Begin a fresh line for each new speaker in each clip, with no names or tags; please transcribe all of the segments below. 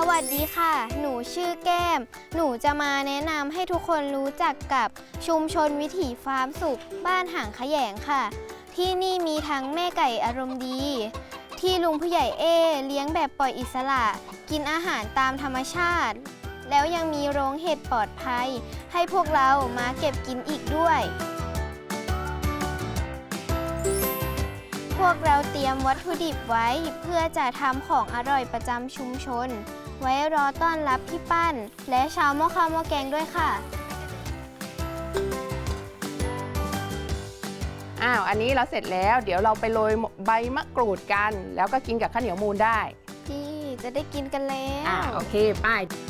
วัสดีค่ะหนูชื่อแก้มหนูจะมาแนะนำให้ทุกคนรู้จักกับชุมชนวิถีฟาร์มสุขบ้านหางขยงค่ะที่นี่มีทั้งแม่ไก่อารมณ์ดีที่ลุงผู้ใหญ่เลี้ยงแบบปล่อยอิสระกินอาหารตามธรรมชาติแล้วยังมีโรงเห็ดปลอดภัยให้พวกเรามาเก็บกินอีกด้วยพวกเราเตรียมวัตถุดิบไว้เพื่อจะทำของอร่อยประจำชุมชนไว้รอต้อนรับพี่ปั้นและชาวหม้อข้าวหม้อแกงด้วยค่ะ
อันนี้เราเสร็จแล้วเดี๋ยวเราไปโรยใบมะกรูดกันแล้วก็กินกับข้าวเหนียวมูนได้
พี่จะได้กินกันแล้ว
โอเคไป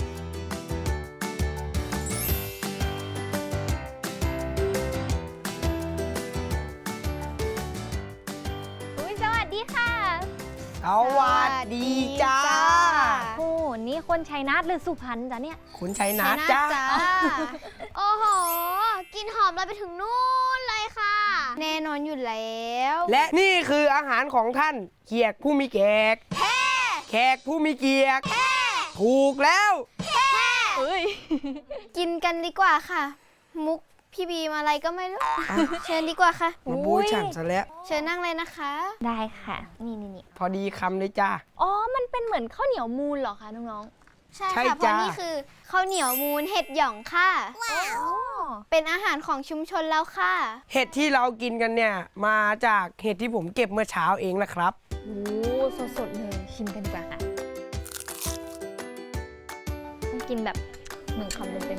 สวัสดีค่ะ
สวัสดีจ้า
โอ้นี่คนชัยนาทหรือสุพรรณจ้ะเนี่ย
คุณชัยนาทจ้า
โอ้โหกินหอมเลยไปถึงนู่นเลยค่ะแน่นอนอยู่แล้ว
และนี่คืออาหารของท่านเกียรติผู้มีแขกแขกผู้มีเกียรติถูกแล้ว
กินกันดีกว่าค่ะมุกพี่บีมอะไรก็ไม่รู้เชิญดีกว่าค่ะ
มาบูฉันซะแล้ว
เชิญนั่งเลยนะคะ
ได้ค่ะนี่
พอดีคำเลยจ้า
อ๋อมันเป็นเหมือนข้าวเหนียวมูนเหรอคะน้อง
ๆใช่ค่ะเพราะนี่คือข้าวเหนียวมูนเห็ดหย่องค่ะว้าวเป็นอาหารของชุมชนแล้วค่ะ
เห็ดที่เรากินกันเนี่ยมาจากเห็ดที่ผมเก็บเมื่อเช้าเองนะครับ
โอ้สดๆเลยชิมกันดีกว่าค่ะต้องกินแบบหนึ่งคำเต็ม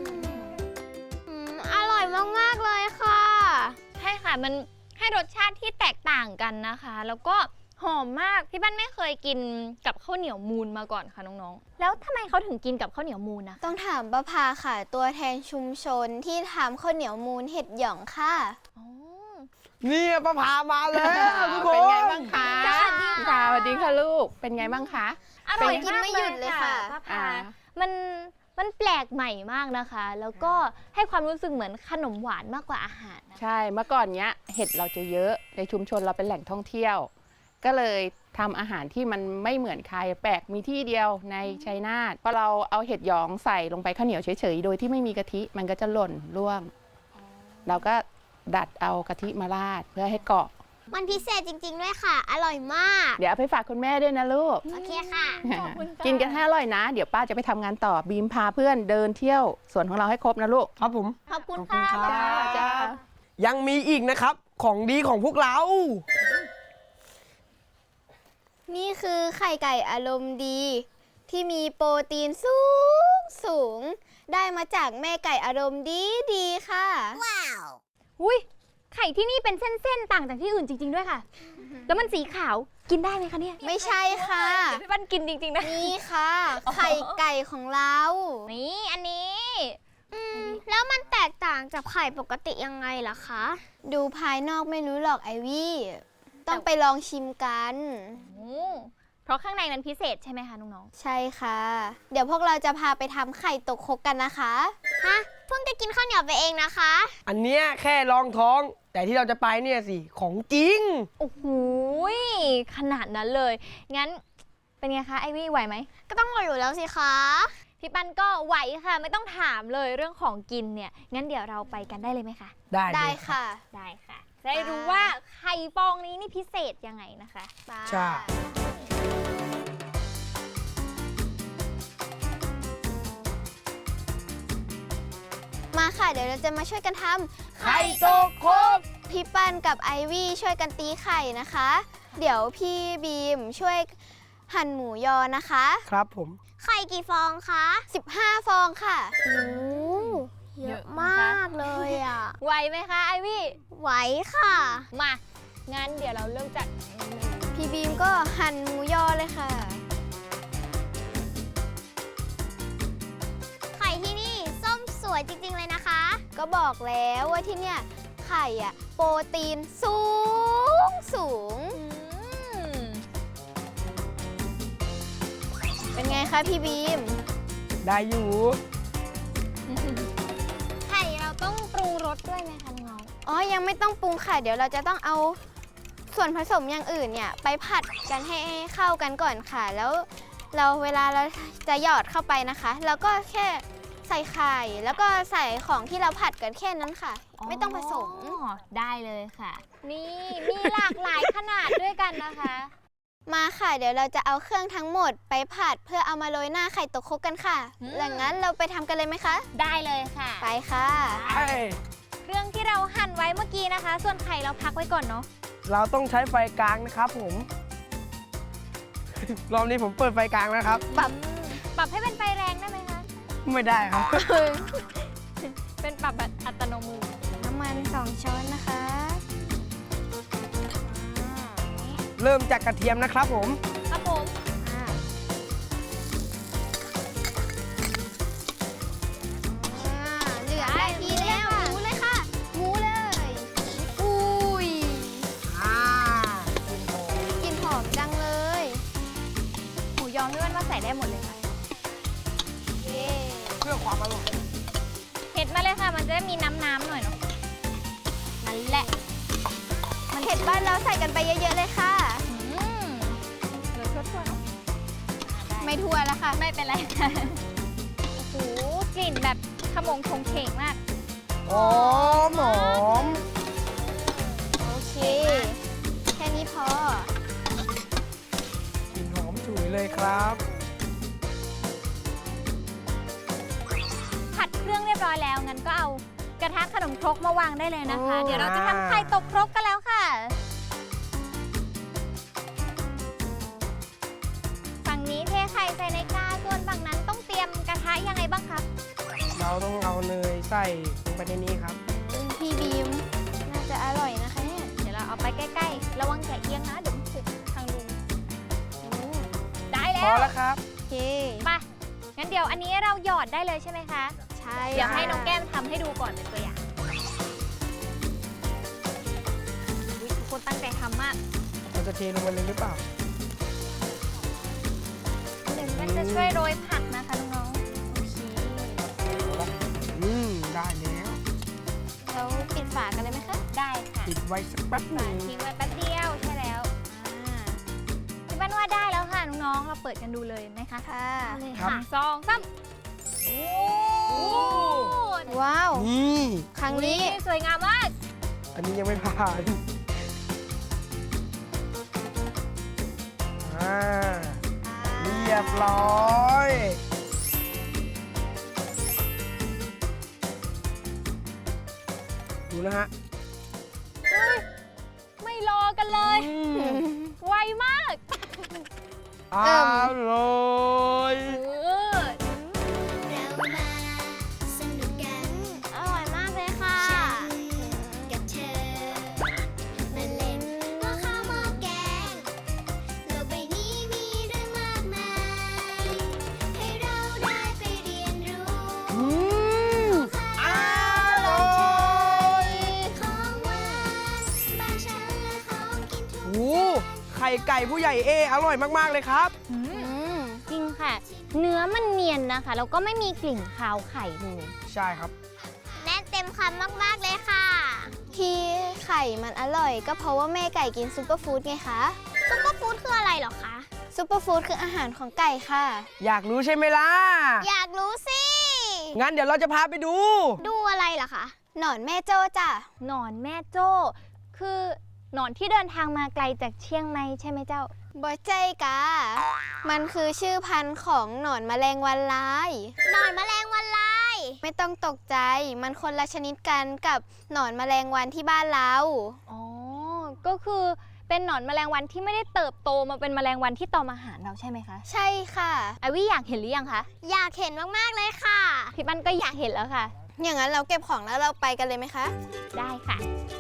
อร่อยมากๆเลยค่ะ
ใช่ค่ะมันให้รสชาติที่แตกต่างกันนะคะแล้วก็หอมมากพี่บ้านไม่เคยกินกับข้าวเหนียวมูนมาก่อนค่ะน้องๆแล้วทำไมเขาถึงกินกับข้าวเหนียวมูนนะ
ต้องถามประภาค่ะตัวแทนชุมชนที่ทำข้าวเหนียวมูนเห็ดหย่องค่ะ
นี่ประภามาแล้วทุกคน
เป็นไงบ้างคะสวัสดีค่ะลูกเป็นไงบ้างคะ
อร่อยกินไม่หยุดเลยค่ะ
ประภามันแปลกใหม่มากนะคะแล้วก็ให้ความรู้สึกเหมือนขนมหวานมากกว่าอาหาร
ใช่เมื่อก่อนเนี้ยเห็ดเราจะเยอะในชุมชนเราเป็นแหล่งท่องเที่ยวก็เลยทำอาหารที่มันไม่เหมือนใครแปลกมีที่เดียวในชัยนาทพอเราเอาเห็ดหยองใส่ลงไปข้าวเหนียวเฉยๆโดยที่ไม่มีกะทิมันก็จะหล่นร่วงเราก็ดัดเอากะทิมาราดเพื่อให้เกาะ
มันพิเศษจริงๆด้วยค่ะอร่อยมาก
เดี๋ยวเอาไปฝากคุณแม่ด้วยนะลูก
โอเคค่ะ
กินกันให้อร่อยนะเดี๋ยวป้าจะไปทำงานต่อบีมพาเพื่อนเดินเที่ยวสวนของเราให้ครบนะลูก
ครับผม
ขอบคุณค่ะ
จ้า
ยังมีอีกนะครับของดีของพวกเรา
นี่คือไข่ไก่อารมณ์ดีที่มีโปรตีนสูงได้มาจากแม่ไก่อารมณ์ดีค่ะว้าว
อุ้ยไข่ที่นี่เป็นเส้นๆต่างจากที่อื่นจริงๆด้วยค่ะแล้วมันสีขาวกินได้ไหมคะเนี่ย
ไม่ใช่ค่ะ
เดี๋ยวพี่ปั้นกินจริงๆนะ
นี่ค่ะไข่ไก่ของเรา
นี่อันนี้
แล้วมันแตกต่างจากไข่ปกติยังไงล่ะคะดูภายนอกไม่รู้หรอกไอวี่ต้องไปลองชิมกัน
เพราะข้างในมันพิเศษใช่ไหมคะน้อง
ๆใช่ค่ะเดี๋ยวพวกเราจะพาไปทำไข่ตกครกกันนะคะฮะเพิ่งจะกินข้าวเหนียวไปเองนะคะ
อันเนี้ยแค่รองท้องแต่ที่เราจะไปเนี่ยสิของจริง
โอ้โหขนาดนั้นเลยงั้นเป็นไงคะไอวี่ไหวไหม
ก็ต้องไหวอยู่แล้วสิคะ
พี่ปั้นก็ไหวค่ะไม่ต้องถามเลยเรื่องของกินเนี่ยงั้นเดี๋ยวเราไปกันได้เลยไหมคะ
ได้
ค่ะ
ได้ค่ะจะได้รู้ว่าไข่ฟองนี้นี่พิเศษยังไงนะคะ
ใช่
มาค่ะเดี๋ยวเราจะมาช่วยกันทำ
ไข่ตกครก
พี่ปั้นกับไอวี่ช่วยกันตีไข่นะคะเดี๋ยวพี่บีมช่วยหั่นหมูยอนะคะ
ครับผม
ไข่กี่ฟองคะ15ฟองค่ะโอ้เยอะมากเลยอ่ะ
ไหวไหมคะไอวี่
ไหวค่ะ
มางั้นเดี๋ยวเราเริ่มจาก
พี่บีมก็หั่นหมูยอเลยค่ะไข่ที่นี่ส้มสวยจริงๆเลยนะคะก็บอกแล้วว่าที่เนี่ยไข่อ่ะโปรตีนสูงเป็นไงคะพี่บีม
ได้อยู่
ไข่เราต้องปรุงรสด้วยไหมคะน้องอ๋อยังไม่ต้องปรุงค่ะเดี๋ยวเราจะต้องเอาส่วนผสมอย่างอื่นเนี่ยไปผัดกันให้เข้ากันก่อนค่ะแล้วเวลาเราจะหยอดเข้าไปนะคะ เราก็แค่ใส่ไข่แล้วก็ใส่ของที่เราผัดกันแค่นั้นค่ะ ไม่ต้องผสม
อ๋อได้เลยค่ะ นี่มีหลากหลายขนาดด้วยกันนะคะ
มาค่ะเดี๋ยวเราจะเอาเครื่องทั้งหมดไปผัดเพื่อเอามาโรยหน้าไข่ตกครกกันค่ะดังนั้นเราไปทำกันเลยไหมคะ
ได้เลยค่ะ
ไปค่ะ
เอ้ย
เครื่องที่เราหั่นไว้เมื่อกี้นะคะ ส่วนไข่เราพักไว้ก่อนเนาะ
เราต้องใช้ไฟกลางนะครับผม รอบนี้ผมเปิดไฟกลางนะครับ
ปรับให้เป็นไฟแรงได้ไหมคะ
ไม่ได้ครับ
เป็นปรับแบบอัตโนมือ
น้ำมัน2 ช้อนนะคะ
เริ่มจากกระเทียมนะครับผม
ครับผม
อ่าเหลือได้ทีแล้วหมูเลยค่ะหมูเลยอุ้ยกลิ่นหอมจังเลย
หมูยอพี่วันว่าใส่ได้หมดเลยค่ะ
เย้
เพื่อความอร่อย
เผ็ดมาเลยค่ะ มันจะได้มีน้ำๆหน่อยเนาะ นั่นแหละ
เผ็ดบ้านเราใส่กันไปเยอะๆเลยค่ะ
เหลือทั่วๆเนาะ
ไม่ทั่วแล้วค่ะ
ไม่เป็นไรค่ะ โอ้โห กลิ่นแบบขมงชงเฉงมาก
หอมหอม
โอเค แค่นี้พอ
กลิ่นหอมฉุยเลยครับ
ผัดเครื่องเรียบร้อยแล้ว งั้นก็เอากระทะขนมครกมาวางได้เลยนะคะ
โอ้
เดี๋ยวเราจะทำไข่ตกครกกันแล้วค่ะ ฝั่งนี้เทไข่ใส่ในกาส่วนฝั่งนั้นต้องเตรียมกระทะยังไงบ้างคะ
เราต้องเอาเนยใส่ลงไปในนี้ครับ
พี่บีม น่าจะอร่อยนะคะเนี่ย
เดี๋ยวเราเอาไปใกล้ๆ ระวังแกะเอียงนะ เดี๋ยวมันสุกทางลุงได้
พ
แล้
อ
ว
แล้วครับ
โอเค
ไปงั้นเดี๋ยวอันนี้เราหยอดได้เลยใช่ไหมคะ
ใช่
เดี๋ยวให้น้องแก้มทำให้ดูก่อนเป็นตัวอย่างอุ๊ยทุกคนตั้งใจทำมาก
เราจะเทลงไปเลยหรือเปล่า
หนึ่งมันจะช่วยโรยผักนะคะน้อง
ได้แล้ว
เราปิดฝากันเลยไหมคะ
ๆ ได้ค่ะ
ปิดไว้สักแป๊บหนึ่ง
ทิ้งไว้แป๊บเดียวใช่แล้วพี่บ้านว่าได้แล้วค่ะน้องๆ เราเปิดกันดูเลยไหมคะ
ค่ะ
เลย
ครับ
ค่ะสองสามโอ้
ว้าว
นี่
ครั้งนี้
สวยงามมาก
อันนี้ยังไม่ผ่านอ่าเรียบร้อย ดูนะฮะ
ไม่รอกันเลย ไวมาก
อร่อย
เรามาสนุกกัน อร่อยมากเลยค่ะ กับเธอ มาเล่นหม้อข้าวหม้อแกง โลกใบนี้มีเรื่องมากมาย ให้เราได้ไปเรียนรู้
อร่อย
ของหวานบ้านฉันและของกินทุก
โอ้ไข่ไก่ผู้ใหญ่อร่อยมาก ๆ เลยครับ
จริงค่ะ เนื้อมันเนียนนะคะ แล้วก็ไม่มีกลิ่นคาวไข่เลย
ใช่ครับ
แน่นเต็มคำมาก ๆ เลยค่ะ ที่ไข่มันอร่อยก็เพราะว่าแม่ไก่กินซุปเปอร์ฟู้ดไงคะซุปเปอร์ฟู้ดคืออะไรหรอคะซุปเปอร์ฟู้ดคืออาหารของไก่ค่ะ
อยากรู้ใช่ไหมล่ะ
อยากรู้สิ
งั้นเดี๋ยวเราจะพาไปดู
ดูอะไรล่ะคะหนอนแม่โจ้จ้ะ
หนอนแม่โจ้ คือหนอนที่เดินทางมาไกลจากเชียงใหม่ใช่ไหมเจ้า
บอใจกามันคือชื่อพันธุ์ของหนอนแมลงวันลายหนอนแมลงวันลาย ไม่ต้องตกใจ มันคนละชนิดกันกับหนอนแมลงวันที่บ้านเรา
อ๋อ ก็คือเป็นหนอนแมลงวันที่ไม่ได้เติบโตมาเป็นแมลงวันที่ตอมอาหารเราใช่ไหมคะ
ใช่ค่ะ
ไอวี่อยากเห็นหรือยังคะ
อยากเห็นมากๆเลยค่ะ
พี่ปั้นก็อยากเห็นแล้วค่ะ
อย่างนั้นเราเก็บของแล้วเราไปกันเลยไหมคะ
ได้ค่ะ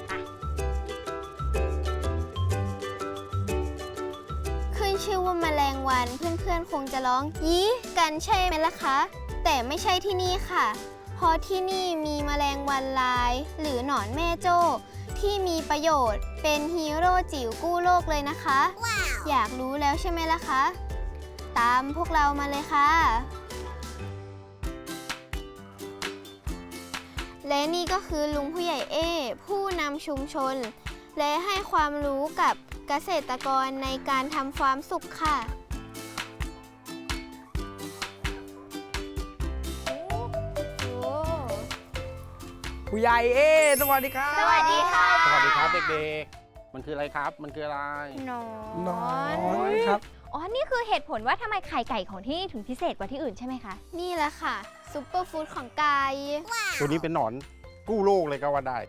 ขึ้นชื่อว่าแมลงวันเพื่อนๆคงจะร้องยี้กันใช่ไหมล่ะคะ แต่ไม่ใช่ที่นี่ค่ะ เพราะที่นี่มีแมลงวันลาย หรือหนอนแม่โจ้ที่มีประโยชน์เป็นฮีโร่จิ๋วกู้โลกเลยนะคะ อยากรู้แล้วใช่ไหมล่ะคะ ตามพวกเรามาเลยค่ะ และนี่ก็คือลุงผู้ใหญ่ผู้นำชุมชน และให้ความรู้กับเกษตรกรในการทำฟาร์มสุขค่ะ
ผู้ใหญ่สวัสดีครับ
สวัสดีค่ะ
สวัสดีครับเด็กๆ มันคืออะไรครับ มันคืออะไร
หนอน
อนครับ
อ๋อ นี่คือเหตุผลว่าทำไมไข่ไก่ของที่นี่ถึงพิเศษกว่าที่อื่นใช่ไหมคะ
นี่แหละค่ะซุปเปอร์ฟู้ดของไก่
ตัวนี้เป็นหนอนกู้โลกเลยก็ว่าได้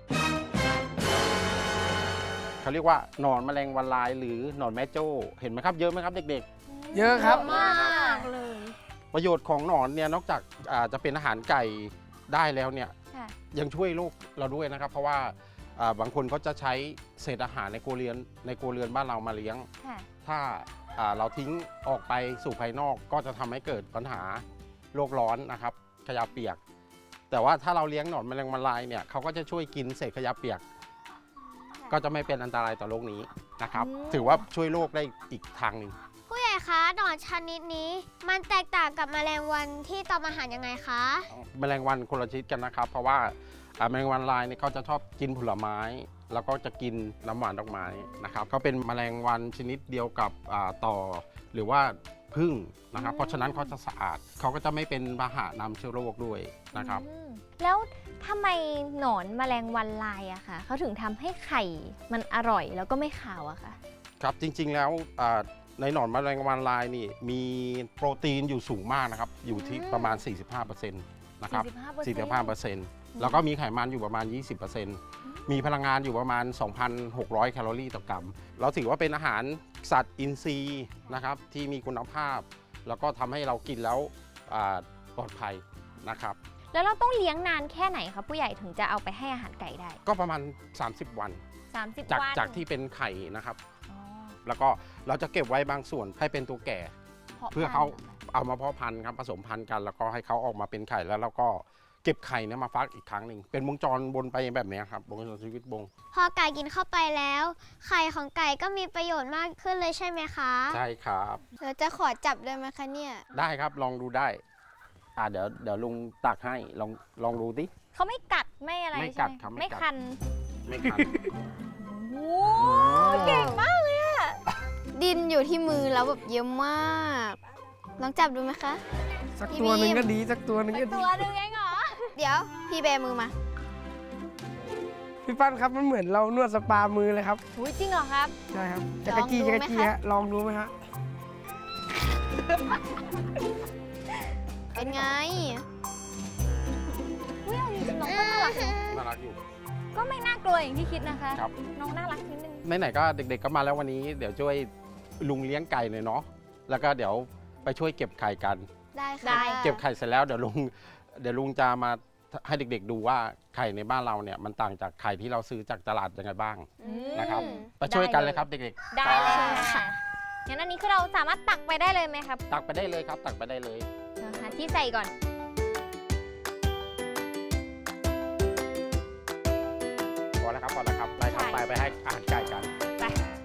เขาเรียกว่าหนอนแมลงวันลายหรือหนอนแม่โจ้ เห็นไหมครับ เยอะไหมครับเด็ก
เยอะครับ
มากเลย
ๆ ประโยชน์ของหนอนเนี่ยนอกจากจะเป็นอาหารไก่ได้แล้วเนี่ย
ค่ะ
ยังช่วยโลกเราด้วยนะครับ เพราะว่าบางคนเขาจะใช้เศษอาหารในครัวเรือนบ้านเรามาเลี้ยง
ค่ะ
ถ้าเราทิ้งออกไปสู่ภายนอกก็จะทำให้เกิดปัญหาโลกร้อนนะครับขยะเปียก แต่ว่าถ้าเราเลี้ยงหนอนแมลงวันลายเนี่ยเขาก็จะช่วยกินเศษขยะเปียก ก็จะไม่เป็นอันตรายต่อโลกนี้นะครับ ถือว่าช่วยโลกได้อีกทางหนึ่ง
ผู้ใหญ่คะหนอนชนิดนี้ มันแตกต่างกับแมลงวันที่ตอมอาหารยังไงคะ
แมลงวันคนละชนิดกันนะครับ เพราะว่าแมลงวันลายเนี่ยเขาจะชอบกินผลไม้ แล้วก็จะกินน้ำหวานดอกไม้นะครับเขาเป็นแมลงวันชนิดเดียวกับต่อหรือว่าผึ้งนะครับ เพราะฉะนั้นเขาจะสะอาดเขาก็จะไม่เป็นพาหะนำเชื้อโรคด้วยนะครับ
แล้วทำไมหนอนแมลงวันลายอะคะเขาถึงทำให้ไข่มันอร่อยแล้วก็ไม่ขาวอะคะ
ครับจริงๆแล้วในหนอนแมลงวันลายนี่มีโปรตีนอยู่สูงมากนะครับ อยู่ที่ประมาณ 45%นะครับ 45%แล้วก็มีไขมันอยู่ประมาณ 20%มีพลังงานอยู่ประมาณ 2,600 แคลอรี่ต่อกรัมเราถือว่าเป็นอาหารสัตว์อินทรีย์นะครับที่มีคุณภาพ แล้วก็ทำให้เรากินแล้วปลอดภัยนะครับ
แล้วเราต้องเลี้ยงนานแค่ไหนคะผู้ใหญ่ถึงจะเอาไปให้อาหารไก่ได้
ก็ประมาณ 30 วัน
30
จาก
วัน
จากที่เป็นไข่นะครับ
อ๋อ
แล้วก็เราจะเก็บไว้บางส่วนให้เป็นตัวแก่ เพื่อเขาเอามาเพาะพันธุ์ครับผสมพันธุ์กัน แล้วก็ให้เขาออกมาเป็นไข่แล้วเราก็เก็บไข่เนี่ยมาฟักอีกครั้งหนึ่งเป็นวงจรวนไปแบบเนี้ยครับวงจรชีวิตวง
พอไก่กินเข้าไปแล้ว ไข่ของไก่ก็มีประโยชน์มากขึ้นเลยใช่ไหมคะ
ใช่ครับ
เราจะขอจับได้ไหมคะเนี่ย
ได้ครับลองดูได้เดี๋ยวลุงตักให้ลองดูดิ
เขาไม่กัดไม่อะไร
ไม่
ใช่
กัด
ไหม
ครับไม่
ไม่
กัด
คัน
ไม่คัน
โอ้เก่งมากเลยอะ
ดินอยู่ที่มือแล้วแบบเยอะมาก ลองจับดูไหมคะ
สักตัวหนึ่งก็ดีสักตัวหนึ่งก็ดี
ตัวหนึงเองเหรอ
เดี๋ยวพี่แบมือมา
พี่ปั้นครับมันเหมือนเรานวดสปามือเลยครับ
อุ๊ยจริงเหรอครับ
ใช่ครับจะกระจี้
ลองดู
จะ
ไหม
กระจี้
คะ
ฮะลองดูไหมฮะ
เป็นไง
อุ๊ยเอาจริงๆน้องก็น่ารักนะ
น่ารักอยู่
ก็ไม่น่ากลัวอย่างที่คิดนะคะ
ครับ
น้องน่ารักนิดนึง
ไหนๆก็เด็กๆก็มาแล้ววันนี้เดี๋ยวช่วยลุงเลี้ยงไก่หน่อยเนาะแล้วก็เดี๋ยวไปช่วยเก็บไข่กัน
ได้
ได้
ค่ะ
เก็บไข่เสร็จแล้วเดี๋ยวลุงจะมาให้เด็กๆดูว่าไข่ในบ้านเราเนี่ยมันต่างจากไข่ที่เราซื้อจากตลาดยังไงบ้าง
อืม
นะครับ ไปช่วยกันเลยครับเด็ก
ได้เลยค่ะงั้นอันนี้คือเราสามารถตักไปได้เลยไหมครับ
ๆ ตักไปได้เลยครับ ตักไปได้เลย
หาที่ใส่ก่อน
พอแล้วครับพอแล้วครับไปครับ
ใช่
ไปให้อาหารไก่กัน
ไป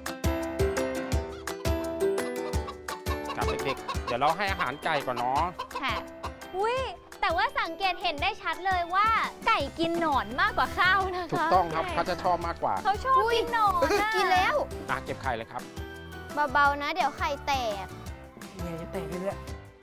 ครับเด็กๆเดี๋ยวเราให้อาหารไก่ก่อนเนาะ
ค่ะอุ้ยแต่ว่าสังเกตเห็นได้ชัดเลยว่าไก่กินหนอนมากกว่าข้าวนะคะ
ถูกต้องครับเขาจะชอบมากกว่า
เขาชอบกินหนอนอะ
กินแล้ว
เก็บไข่เลยครับ
เบาๆนะเดี๋ยวไข่แตก
เนี่ยจะแตกไปเรื่อย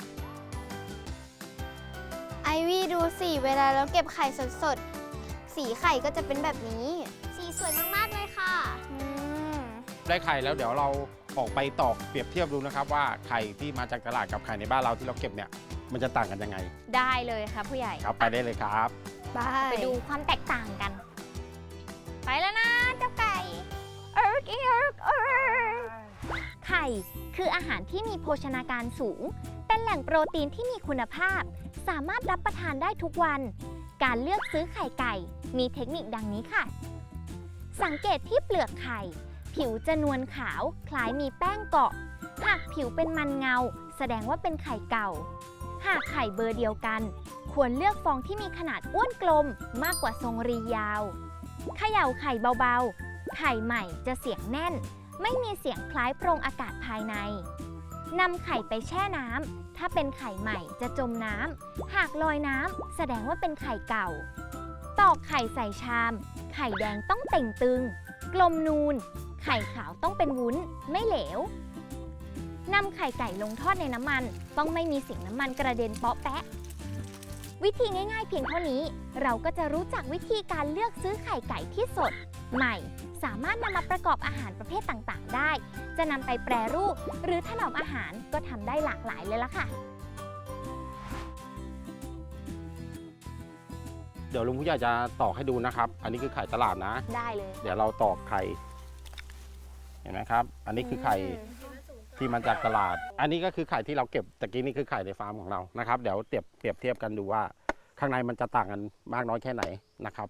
ไอวี่ดูสิเวลาเราเก็บไข่สดๆ สีไข่ก็จะเป็นแบบนี้ สีสวยมากๆเลยค่ะม
ได้ไข่แล้วเดี๋ยวเราออกไปตอกเปรียบเทียบดูนะครับว่าไข่ที่มาจากตลาดกับไข่ในบ้านเราที่เราเก็บเนี่ยมันจะต่างกันยังไง
ได้เลยค่ะผู้ใหญ่
ครับไปได้เลยครับ
ไปดูความแตกต่างกัน ไปแล้วนะเจ้าไก่เอิร์กเอิร์กเอิร์กไข่คืออาหารที่มีโภชนาการสูง เป็นแหล่งโปรตีนที่มีคุณภาพ สามารถรับประทานได้ทุกวัน การเลือกซื้อไข่ไก่มีเทคนิคดังนี้ค่ะ สังเกตที่เปลือกไข่ ผิวจะนวลขาวคล้ายมีแป้งเกาะ หากผิวเป็นมันเงา แสดงว่าเป็นไข่เก่า หากไข่เบอร์เดียวกัน ควรเลือกฟองที่มีขนาดอ้วนกลมมากกว่าทรงรียาวเขย่าไข่เบาๆ ไข่ใหม่จะเสียงแน่น ไม่มีเสียงคล้ายโพรงอากาศภายในนำไข่ไปแช่น้ำถ้าเป็นไข่ใหม่จะจมน้ำหากลอยน้ำแสดงว่าเป็นไข่เก่า ตอกไข่ใส่ชาม ไข่แดงต้องเต่งตึง กลมนูน ไข่ขาวต้องเป็นวุ้นไม่เหลวนำไข่ไก่ลงทอดในน้ำมันต้องไม่มีเสียงน้ำมันกระเด็นเปาะแปะวิธีง่ายๆเพียงเท่านี้ เราก็จะรู้จักวิธีการเลือกซื้อไข่ไก่ที่สด ใหม่ สามารถนำมาประกอบอาหารประเภทต่างๆ ได้ จะนำไปแปรรูปหรือถนอมอาหารก็ทำได้หลากหลายเลยล่ะค่ะ
เดี๋ยวลุงผู้ใหญ่จะตอกให้ดูนะครับ อันนี้คือไข่ตลาดนะ
ได้เลย
เดี๋ยวเราตอกไข่ เห็นไหมครับ อันนี้คือไข่ที่มาจากตลาด อันนี้ก็คือไข่ที่เราเก็บตะกี้นี่คือไข่ในฟาร์มของเรานะครับ เดี๋ยวเปรียบเทียบกันดูว่า ข้างในมันจะต่างกันมากน้อยแค่ไหนนะครับ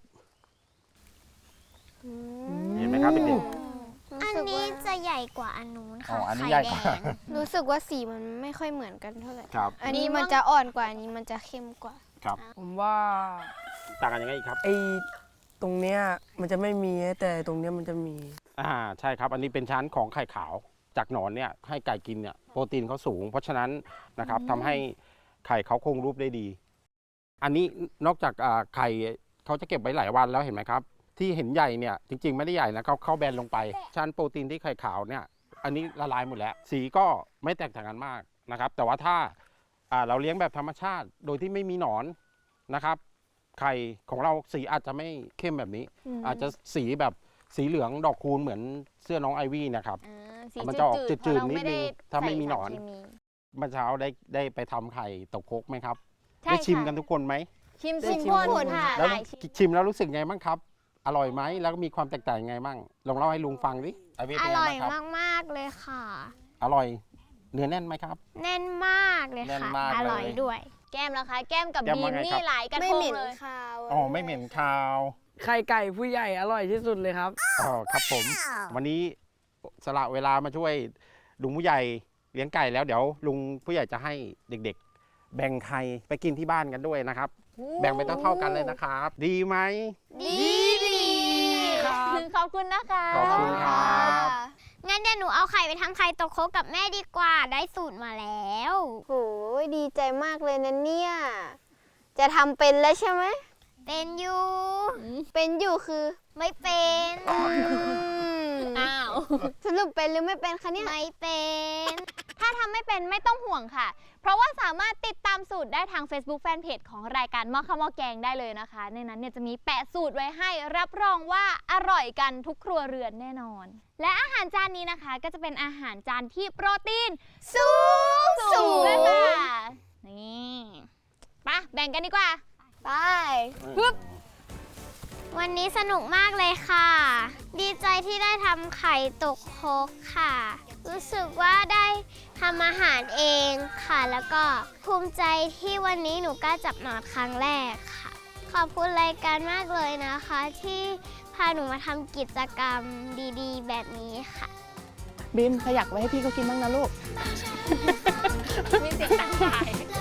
เห็นไหมครับเด็ก
อันนี้จะใหญ่กว่าอันนู้น
อ๋
ค่ะ
ออันนี้
ไข่
ใหญ่ก
แด
ว่า
ง
รู้สึกว่าสีมันไม่ค่อยเหมือนกันเท่าไหร่
ครับ
อันนี้มันจะอ่อนกว่าอันนี้มันจะเข้มกว่า
ครับ
ผมว่า
ต่างกันยังไงอีกครับ
ไอ้ตรงเนี้ยมันจะไม่มีแต่ตรงเนี้ยมันจะมี
ใช่ครับ อันนี้เป็นชั้นของไข่ขาวจากหนอนเนี่ยให้ไก่กินเนี่ยโปรตีนเขาสูง เพราะฉะนั้นนะครับทำให้ไข่เขาคงรูปได้ดี อันนี้นอกจากไข่เขาจะเก็บไว้หลายวันแล้วเห็นไหมครับ ที่เห็นใหญ่เนี่ยจริงๆไม่ได้ใหญ่นะเขาเข้าแบนลงไป ชั้นโปรตีนที่ไข่ขาวเนี่ยอันนี้ละลายหมดแล้ว สีก็ไม่แตกต่างกันมากนะครับ แต่ว่าถ้าเราเลี้ยงแบบธรรมชาติโดยที่ไม่มีหนอนนะครับ ไข่ของเราสีอาจจะไม่เข้มแบบนี้ อาจจะสีแบบสีเหลืองดอกคูณเหมือนเสื้อน้องไอวี่นะครับ มันจะออกจืดๆนิดนึงถ้าไม่มีหนอน เมื่อเช้าได้ไปทำไข่ตกครกไหมครับ
ใช่
ได้ชิม
ค่ะ
กันทุกคนไหม
ชิม
ได้
ทุก
ชิม
คน
ทุกคน
ค่ะ
แล้ว
หลายชิ้น
ชิมแล้วรู้สึกไงบ้างครับ อร่อยไหมแล้วก็มีความแตกต่างยังไงบ้างลองเล่าให้ลุงฟังดิไอวี่
อ
เป็นไง
ร่อย
บ้างครับ
มากๆเลยค่ะ
อร่อยเนื้อแน่นไหมครับ
แน่นมากเลย
แน่น
ค่ะ
มากเลย
อร่อยด้วย
แก้มแล้วคะแก้มกับ
แก้ม
บี
ว่าม ไง
นี่
ครับ
หลายกระ
ไม่
ท
เห
ง
ม็น
เลย
คาว
อ๋อไม่เหม็นคาว
ไข่ไก่ผู้ใหญ่อร่อยที่สุดเลยครับ
อ๋อครับผม วันนี้สละเวลามาช่วยลุงผู้ใหญ่เลี้ยงไก่แล้วเดี๋ยวลุงผู้ใหญ่จะให้เด็กๆ แบ่งไข่ไปกินที่บ้านกันด้วยนะครับ แบ่งไปเท่าๆกันเลยนะครับ ดีไหม
ดีครับ
ขอบคุณนะคะ
ขอบคุณครับ
งั้นเดี๋ยวหนูเอาไข่ไปทำไข่ตกโคกกับแม่ดีกว่า ได้สูตรมาแล้ว
โหยดีใจมากเลยนะเนี่ย จะทำเป็นแล้วใช่ไหม
เป็นอยู่
เป็นอยู่คือ
ไม่เป็น
อ้าว
สรุปเป็นหรือไม่เป็นคะเนี่ย
ไม่เป็น
ถ้าทำไม่เป็นไม่ต้องห่วงค่ะ เพราะว่าสามารถติดตามสูตรได้ทาง Facebook Fanpage ของรายการหม้อข้าวหม้อแกงได้เลยนะคะ ในนั้นเนี่ยจะมีแปะสูตรไว้ให้รับรองว่าอร่อยกันทุกครัวเรือนแน่นอน และอาหารจานนี้นะคะ ก็จะเป็นอาหารจานที่โปรตีนสูงเลยค่ะนี่ไปะแบ่งกันดีกว่า
ไป
วันนี้สนุกมากเลยค่ะ ดีใจที่ได้ทำไข่ตกโคกค่ะ รู้สึกว่าได้ทำอาหารเองค่ะ แล้วก็ภูมิใจที่วันนี้หนูกล้าจับหนอนครั้งแรกค่ะ ขอบคุณรายการมากเลยนะคะ ที่พาหนูมาทำกิจกรรมดีๆ แบบนี้ค่ะ
บีมขยักไว้ให้พี่เขากินบ้างนะลูก
มีเสียงต่างๆ